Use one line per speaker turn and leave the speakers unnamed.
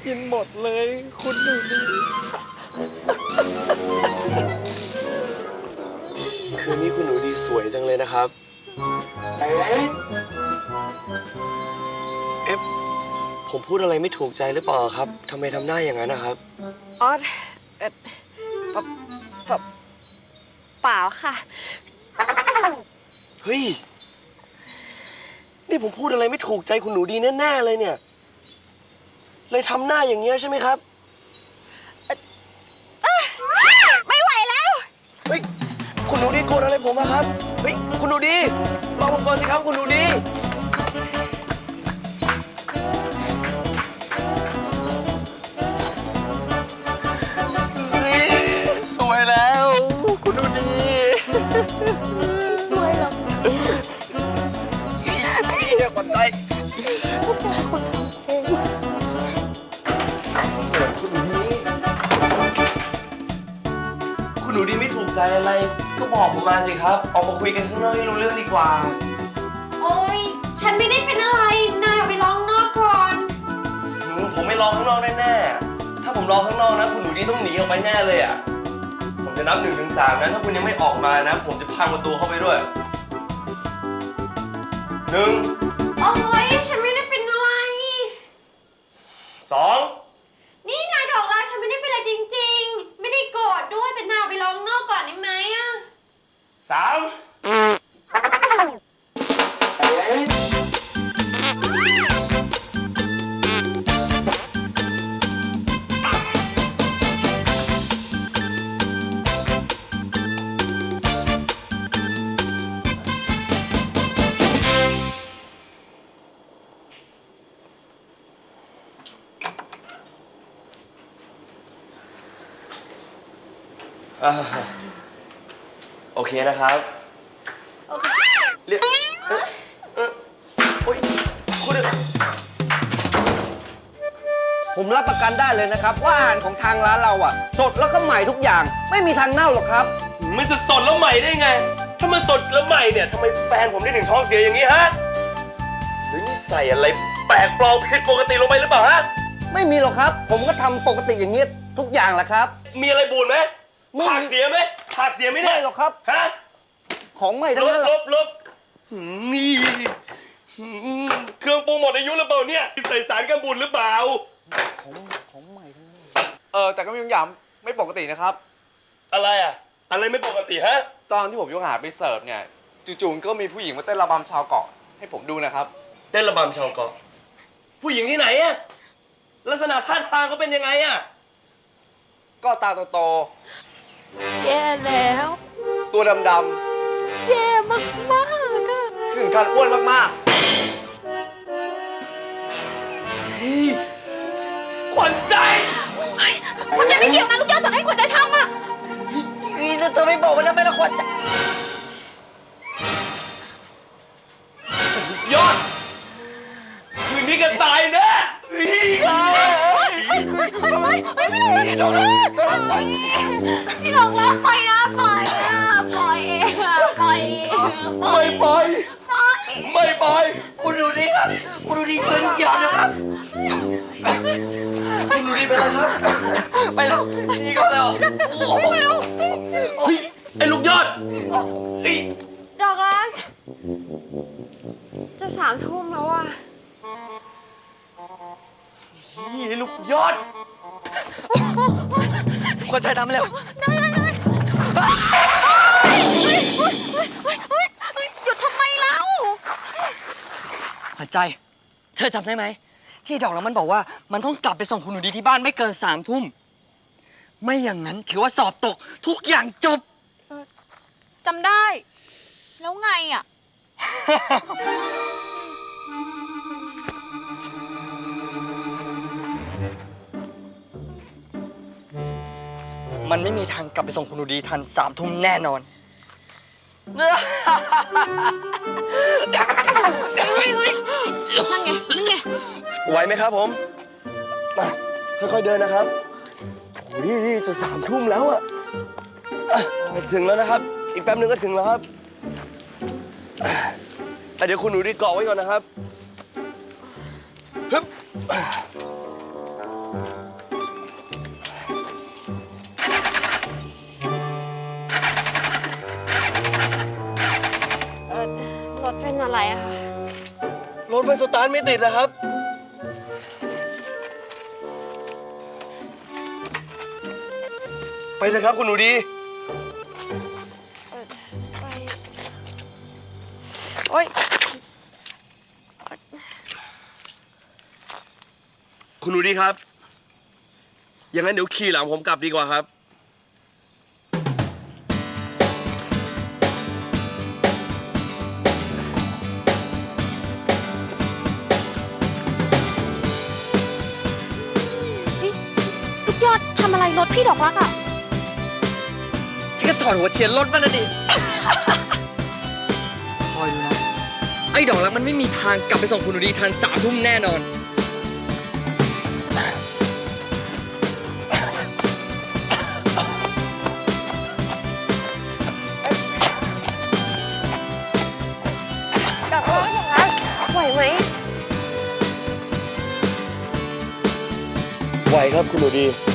กินหมดเลยคุณหนูดี
คืนนี้คุณหนูดีสวยจังเลยนะครับเอ๊ะผมพูดอะไรไม่ถูกใจหรือเปล่าครับทำไมทำหน้าอย่างนั้นนะครับ
อ๋อเปล่าค่ะ
เฮ้ยนี่ผมพูดอะไรไม่ถูกใจคุณหนูดีแน่ๆเลยเนี่ยเลยทำหน้าอย่างเงี้ยใช่ไหมครับ
ไม่ไหวแล้ว
เฮ้ยคุณหนูดีโกรธอะไรผมอะครับเฮ้ยคุณหนูดีรอผมก่อนสิครับคุณหนูดีสวยแล้วคุณหนูดี
สวยเหรอ
เรียกคนใจคุณหนูดีไม่ถูกใจอะไรก็บอกผมมาสิครับออกมาคุยกันข้างนอกให้รู้เรื่องดีกว่า
โอ๊ยฉันไม่ได้เป็นอะไรนายออกไปร้องนอกก่อน
ผมไม่รอข้างนอกแน่ๆถ้าผมรอข้างนอกนะคุณหนูดีต้องหนีออกไปแน่เลยอ่ะผมจะนับ1 ถึง 3นะถ้าคุณยังไม่ออกมานะผมจะพังประตูเข้าไปด้วย1
โอ๊ยฉันไม่ได้เป็นอะไร
2
นี่นายดอกรักฉันไม่ได้เป็นอะไรจริงๆไม่ได้โกรธด้วยแต่นายออกไปร้องนอกก่อนได้ไหมอะ
โอเคนะครับเรียกโอ๊ยคุณ
ผมรับประกันได้เลยนะครับว่าอาหารของทางร้านเราอ่ะสดแล้วก็ใหม่ทุกอย่างไม่มีทางเน่าหรอกครับ
มันจะสดแล้วใหม่ได้ไงถ้ามันสดแล้วใหม่เนี่ยทำไมแฟนผมได้ถึงท้องเสียอย่างนี้ฮะหรือนี่ใส่อะไรแปลกปลอมผิดปกติลงไปหรือเปล่าฮะ
ไม่มีหรอกครับผมก็ทำปกติอย่างนี้ทุกอย่างแหละครับ
มีอะไรบูดไหมผักเสียไหมผักเสียไหมเนี่ย
ไม่หรอกครับ
ฮะ
ของใหม่ทั้งนั้น
ลบนี่เครื่องปรุงหมดอายุหรือเปล่าเนี่ยใส่สารกันบูดหรือเปล่า
ของใหม่ทั้งนั้นแต่ก็มีบางอย่างไม่ปกตินะครับ
อะไรอ่ะอะไรไม่ปกติฮะ
ตอนที่ผมยกอาหารไปเสิร์ฟเนี่ยจู่ๆก็มีผู้หญิงมาเต้นระบำชาวเกาะให้ผมดูนะครับ
เต้นระบำชาวเกาะผู้หญิงที่ไหนอ่ะลักษณะท่าทางเขาเป็นยังไงอ่ะ
ก็ตาโต
แย่แล้ว
ๆตัวดำ
แย่มากๆอะ
ๆถึงขั้นอ้วนมาก
ขวัญใจ
ขวัญใจไม่เกี่ยวนะลูกยอดสั่งให้ขวัญใจทำอะ
นี่เธอไม่บอกมันทำไมล่ะขวัญใจ
ยอดคืนนี้กันตายแน่
พี่น้องรักปล่อยนะปล่อยนะปล่อยปล่อย
ไม่ปล่อยไม่ปล่อยคุณดูดิครับคุณดูดิช่วยทุกอย่างนะครับคุณดูดิไปแล้วครับไปแล้วนี่ก็แล้วเฮ้ยไอ้ลูกยอดเฮ้ย
ดอกรักจะ3 ทุ่มแล้วอ่ะ
นี่ลูกยอดคนใจทำเร็ว
ได้หยุดทำไมเล่า
ขวัญใจเธอจำได้ไหมที่ดอกแล้วมันบอกว่ามันต้องกลับไปส่งคุณหนูดีที่บ้านไม่เกิน3 ทุ่มไม่อย่างนั้นถือว่าสอบตกทุกอย่างจบ
จำได้แล้วไงอ่ะ
มันไม่มีทางกลับไปส่งคุณหนูดีทัน3 ทุ่มแน่นอน
นั่นไง
ไหวไหมครับผมมาค่อยๆเดินนะครับโอ้ยจะ3 ทุ่มแล้วอะถึงแล้วนะครับอีกแป๊บนึงก็ถึงแล้วครับเดี๋ยวคุณหนูดีเกาะไว้ก่อนนะครับฮึบถมันสตาร์ทไม่ติดนะครับ ไปนะครับคุณหนูดี
ไปโอ๊ย
คุณหนูดีครับ อย่างนั้นเดี๋ยวขี่หลังผมกลับดีกว่าครับ
ลูกยอดทำอะไรรถพี่ดอกรักอ่ะ
ฉันก็ถอดหัวเทียนรถมันนะดิ คอยดูนะ ไอ้ดอกรักมันไม่มีทางกลับไปส่งคุณหนูดีทัน3 ทุ่มแน่นอน
ดอกรักอย่างนั้นไหวไหม
ไหวครับคุณหนูดี